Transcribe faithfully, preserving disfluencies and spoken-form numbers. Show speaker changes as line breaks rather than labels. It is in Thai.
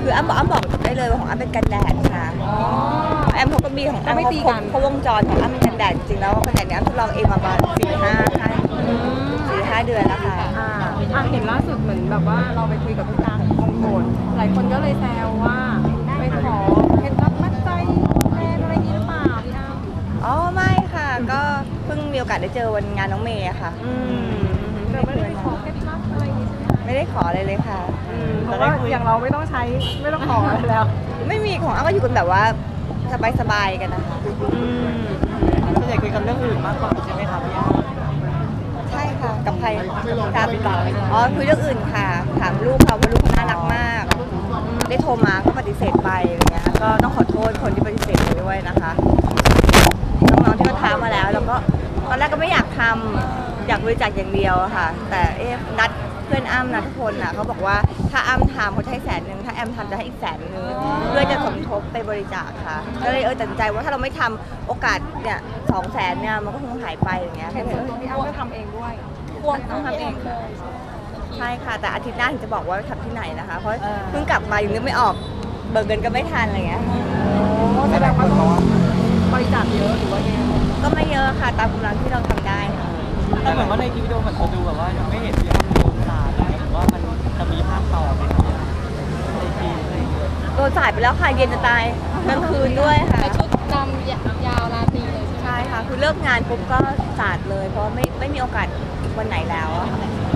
คืออ้ำบอกอ้ำบอกได้เลยว่าของอ้ำเป็นกันแดดค่ะแอมเขาก็มีของอ้ำเขาเขาวงจรของอ้ำเป็นกันแดดจริงแล้วกันแดดเนี้ยทดลองเองมาประมาณสี่ห้าสี่ห้าเดือนแล้วค่ะ
อ่าเห็นล่าสุดเหมือนแบบว่าเราไปคุยกับพี่ตาของคงโกรธหลายคนก็เลยแซวว่าไปขอเคล็ดลับมัดใจแฟนอะไรนี้หรือเปล่าพี่อ้ำ
อ๋อไม่ค่ะก็เพิ่งมีโอกาสได้เจอวันงานน้องเมย์ค่ะ
อืมเราไม่ได้ไปขอเคล็ดลับอะไรอย่างนี้ใช่ไหม
ไม่ได้ขออะไรเลยค่ะ
เพราะว่าอย่างเราไม่ต้องใช้ไม่ต้องขออะไรแล้ว
ไม่มีของอ้ำก็อยู่กันแบบว่าสบายๆกันนะคะ
ส่วนใหญ่คุยกันเรื่องอื่นมากกว่าใช่ไหมคะพี่อ้ำ
ใช่ค่ะกับใครกับพี่ตาอ๋อคุยเรื่องอื่นค่ะถามลูกเขาว่าลูกเขาน่ารักมากได้โทรมาก็ปฏิเสธไปอะไรเงี้ยก็ต้องขอโทษคนที่ปฏิเสธไปด้วยนะคะน้องๆที่เขาท้ามาแล้วแล้วก็ตอนแรกก็ไม่อยากทำอยากบริจาคอย่างเดียวค่ะแต่เอ๊ะนัดเพื่อนอ้ำนัดทุกคนอ่ะเขาบอกว่าถ้าอ้ำทำเขาจะให้แสนหนึ่งถ้าแอมทำจะให้อีกแสนหนึ่งเพื่อจะสมทบไปบริจาคค่ะก็เลยเออตัดสินใจว่าถ้าเราไม่ทำโอกาสเนี่ยสองแสนเนี่ยมันก็คงหายไปอย่างเงี้ย
เห็นส่วนตัวพี่อ้ำก็ทำเองด้วย
ควรต้องทำเองใช่ค่ะแต่อาทิตย์หน้าถึงจะบอกว่าทำที่ไหนนะคะเพราะเพิ่งกลับมายังนึกไม่ออกเบิกเงินก็ไม่ทันอะไรเงี้ย
แสดงว่าต้องบริจาคเยอะหรือว่าไง
ก็ไม่เยอะค่ะตามกำลังที่เราทำได้ค่ะ
แต่เหมือนว่าในคลิปวิดีโอมันจะดูแบบว่ายังไม่เห็นพี่อ้ำโดนสาดหรือว่ามันจะมีภาคต่อไหมครับในคลิปอะไรอย่างเงี้ย
โดนสาดไปแล้วค่ะเย็นจะตายกลางคืนด้วยค่ะ
ชุดดำยาวราตรีเลย
ใช่ค่ะคือเลิกงานปุ๊บก็สาดเลยเพราะไม่ไม่มีโอกาสวันไหนแล้วอะค่ะ